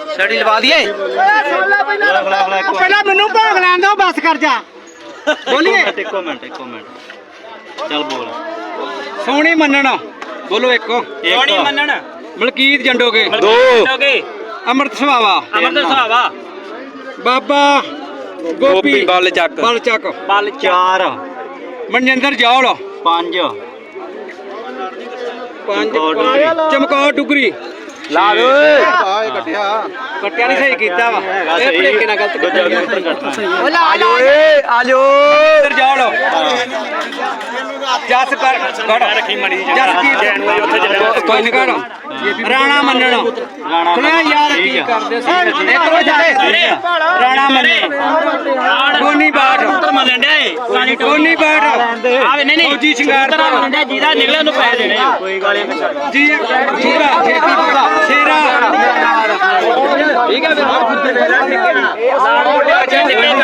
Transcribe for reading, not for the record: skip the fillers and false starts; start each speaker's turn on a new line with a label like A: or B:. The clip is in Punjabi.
A: ਛੜੀ ਲਵਾ ਦਈਏ
B: ਪਹਿਲਾਂ ਮੈਨੂੰ ਭੋਗ ਲੈਣ ਦਿਓ ਬਸ ਕਰ ਜਾ ਬੋਲੀਏ
C: ਇੱਕੋ ਮਿੰਟ ਚੱਲ ਬੋਲ
B: ਸੋਹਣੀ ਮੰਨਣ ਬੋਲੋ ਇੱਕੋ
C: ਸੋਹਣੀ ਮੰਨਣ
B: ਮਲਕੀਤ ਜੰਡੋਗੇ
A: ਦੋ
B: ਅੰਮ੍ਰਿਤ ਸੁਹਾਵਾ ਬਾਬਾ ਗੋਪੀ
A: ਬਲ ਚੱਕ
B: ਬਲ
C: 4
B: ਮਨਜਿੰਦਰ ਜੌਲ
C: 5
B: ਚਮਕੌਰ ਡੁਗਰੀ
A: ਲਾ ਦੋ
B: ਕੱਟਿਆ ਨਹੀਂ ਸਹੀ ਕੀਤਾ ਵਾ ਇਹ ਭਲੇਖੇ ਨਾਲ ਗਲਤ ਕੀਤਾ
A: ਆਜੋ ਏ ਆਜੋ
B: ਜੌਲ ਜਸ ਕਰ
C: ਰੱਖੀ ਮਣੀ
B: ਜਸਜੀਤ ਕੋਈ ਨਹੀਂ ਕਰ ਰਾਣਾ ਮੰਨਣ ਸੁਣਿਆ ਯਾਰ ਕੀ ਕਰਦੇ ਸੀ ਰਾਣਾ ਮੰਨਣ ਗੋਨੀ ਬਾਟ ਗੋਨੀ ਬਾਟ
C: ਆਵੇ ਨਹੀਂ
B: ਫੌਜੀ ਸ਼ਿੰਗਾਰ
C: ਜਿਹਦਾ ਨਿਕਲਿਆ ਉਹਨੂੰ ਪੈਸੇ ਦੇਣੇ ਕੋਈ ਗਾਲੀ
B: ਜੀ ਪੂਰਾ ਖੇਤੀ ਪੂਰਾ ਸ਼ੇਰਾ ਠੀਕ ਹੈ ਫਿਰ